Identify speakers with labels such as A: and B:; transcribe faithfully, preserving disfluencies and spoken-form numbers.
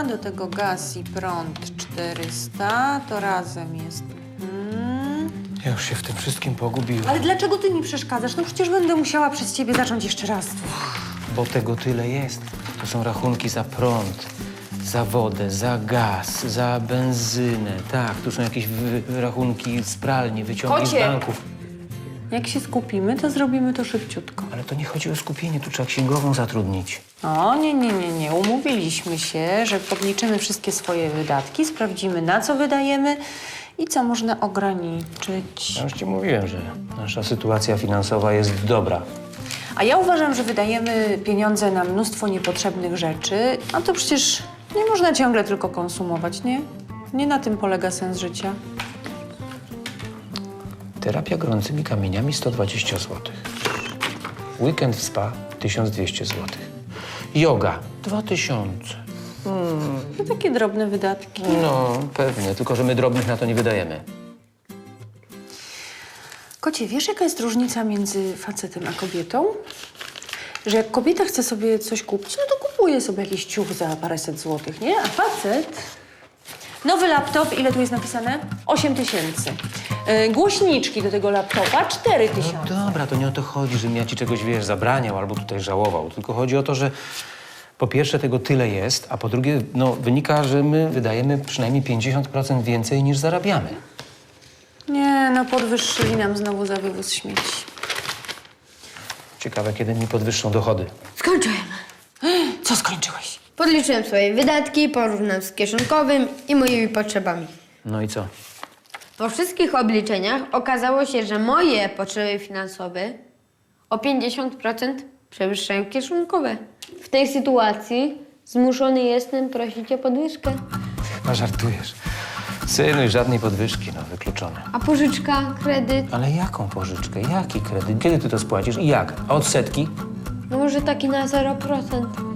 A: do tego gaz i prąd czterysta, to razem jest... Hmm.
B: Ja już się w tym wszystkim pogubiłem.
A: Ale dlaczego ty mi przeszkadzasz? No przecież będę musiała przez ciebie zacząć jeszcze raz.
B: Bo tego tyle jest. To są rachunki za prąd, za wodę, za gaz, za benzynę. Tak, tu są jakieś wy rachunki z pralni, wyciągi
A: Kocie!
B: z banków.
A: Jak się skupimy, to zrobimy to szybciutko.
B: Ale to nie chodzi o skupienie, tu trzeba księgową zatrudnić.
A: O, nie, nie, nie, nie. Umówiliśmy się, że podliczymy wszystkie swoje wydatki, sprawdzimy, na co wydajemy i co można ograniczyć.
B: Ja już ci mówiłem, że nasza sytuacja finansowa jest dobra.
A: A ja uważam, że wydajemy pieniądze na mnóstwo niepotrzebnych rzeczy, a to przecież nie można ciągle tylko konsumować, nie? Nie na tym polega sens życia.
B: Terapia gorącymi kamieniami sto dwadzieścia złotych. Weekend w spa tysiąc dwieście złotych. Yoga dwa tysiące.
A: To takie drobne wydatki.
B: No, pewnie, tylko że my drobnych na to nie wydajemy.
A: Kocie, wiesz, jaka jest różnica między facetem a kobietą? Że jak kobieta chce sobie coś kupić, no to kupuje sobie jakiś ciuch za paręset złotych, nie? A facet... Nowy laptop, ile tu jest napisane? osiem tysięcy. Yy, głośniczki do tego laptopa, cztery tysiące.
B: No dobra, to nie o to chodzi, żebym ja ci czegoś, wiesz, zabraniał albo tutaj żałował. Tylko chodzi o to, że po pierwsze tego tyle jest, a po drugie, no, wynika, że my wydajemy przynajmniej pięćdziesiąt procent więcej niż zarabiamy.
A: Nie, no podwyższyli nam znowu za wywóz śmieci.
B: Ciekawe, kiedy mi podwyższą dochody.
C: Skończyłem.
A: Co skończyłeś?
C: Podliczyłem swoje wydatki, porównam z kieszonkowym i moimi potrzebami.
B: No i co?
C: Po wszystkich obliczeniach okazało się, że moje potrzeby finansowe o pięćdziesiąt procent przewyższają kieszonkowe. W tej sytuacji zmuszony jestem prosić o podwyżkę.
B: Chyba żartujesz. Synuj, żadnej podwyżki, no, wykluczone.
C: A pożyczka, kredyt?
B: Ale jaką pożyczkę? Jaki kredyt? Kiedy ty to spłacisz i jak? A odsetki?
C: No może taki na zero procent.